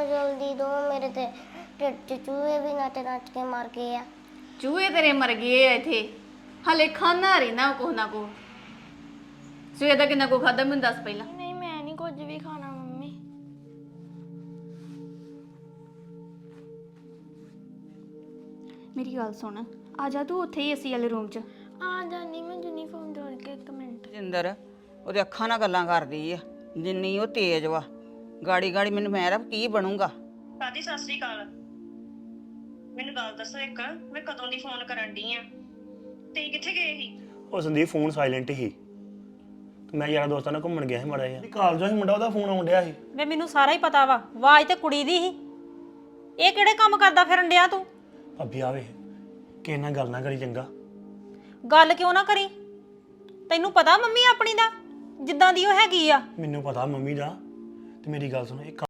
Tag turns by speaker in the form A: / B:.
A: जल्दी दो मेरे ते ਢਿੱਡ 'ਚ ਚੂਹੇ ਵੀ ਨੱਚ ਕੇ ਮਰ ਗਏ ਆ।
B: ਚੂਹੇ ਤੇਰੇ ਮਰ ਗਏ ਆ ਇੱਥੇ, ਹਲੇ ਖਾਣਾ ਰਹਿਣਾ ਕੁਛ ਨਾ ਕੁਛ। ਸਵੇਰ ਦਾ ਕਿੰਨਾ ਕੁ ਖਾਦਾ ਮੈਨੂੰ ਦੱਸ ਪਹਿਲਾਂ।
A: ਨਹੀਂ ਮੈਂ ਨਹੀਂ ਕੁਝ ਵੀ ਖਾਣਾ ਮੰਮੀ।
C: ਮੇਰੀ ਗੱਲ ਸੁਣ, ਆ ਜਾ ਤੂੰ ਉੱਥੇ ਹੀ ਏਸੀ ਵਾਲੇ ਰੂਮ 'ਚ।
A: ਆ ਜਾਨੀ ਮੈਂ ਯੂਨੀਫਾਰਮ ਜੋੜ ਕੇ 1 ਮਿੰਟ।
D: ਜਿੰਦਰ ਉਹਦੇ ਅੱਖਾਂ ਨਾਲ ਗੱਲਾਂ ਕਰਦੀ ਆ, ਜਿੰਨੀ ਉਹ ਤੇਜ਼ ਵਾ। ਗਾੜੀ ਗਾੜੀ ਮੈਨੂੰ ਮੈਂ ਰੱਬ ਕੀ ਬਣੂਗਾ।
E: ਦਾਦੀ ਸਤਿ ਸ੍ਰੀ ਅਕਾਲ। ਮੈਨੂੰ ਗੱਲ ਦੱਸੋ ਇੱਕ, ਮੈਂ ਕਦੋਂ ਦੀ ਫੋਨ ਕਰਨ ਡਈ ਆ ਤੇ ਕਿੱਥੇ ਗਏ ਸੀ?
F: ਉਹ ਸੰਦੀਪ ਫੋਨ ਸਾਇਲੈਂਟ ਹੀ ਤੇ ਮੈਂ ਯਾਰਾਂ ਦੋਸਤਾਂ ਨਾਲ ਘੁੰਮਣ ਗਿਆ ਸੀ ਮਾੜਾ ਜਿਹਾ। ਕਾਲਜੋਂ ਹੀ ਮੁੰਡਾ ਉਹਦਾ ਫੋਨ ਆਉਣ ਡਿਆ ਸੀ।
G: ਵੇ ਮੈਨੂੰ ਸਾਰਾ ਹੀ ਪਤਾ ਵਾ, ਆਵਾਜ਼ ਤੇ ਕੁੜੀ ਦੀ ਸੀ। ਇਹ ਕਿਹੜੇ ਕੰਮ ਕਰਦਾ ਫਿਰਨ ਡਿਆ ਤੂੰ?
F: ਭਾਬੀ ਆਵੇ ਕਿਸੇ ਨਾਲ ਗੱਲ ਨਾ ਕਰੀ ਚੰਗਾ।
G: ਗੱਲ ਕਿਉਂ ਨਾ ਕਰੀ? ਤੈਨੂੰ ਪਤਾ ਮੰਮੀ ਆਪਣੀ ਦਾ ਜਿੱਦਾਂ ਦੀ ਉਹ ਹੈਗੀ ਆ।
F: ਮੈਨੂੰ ਪਤਾ ਮੰਮੀ ਦਾ, ਤੇ ਮੇਰੀ ਗੱਲ ਸੁਣੋ, ਇਹ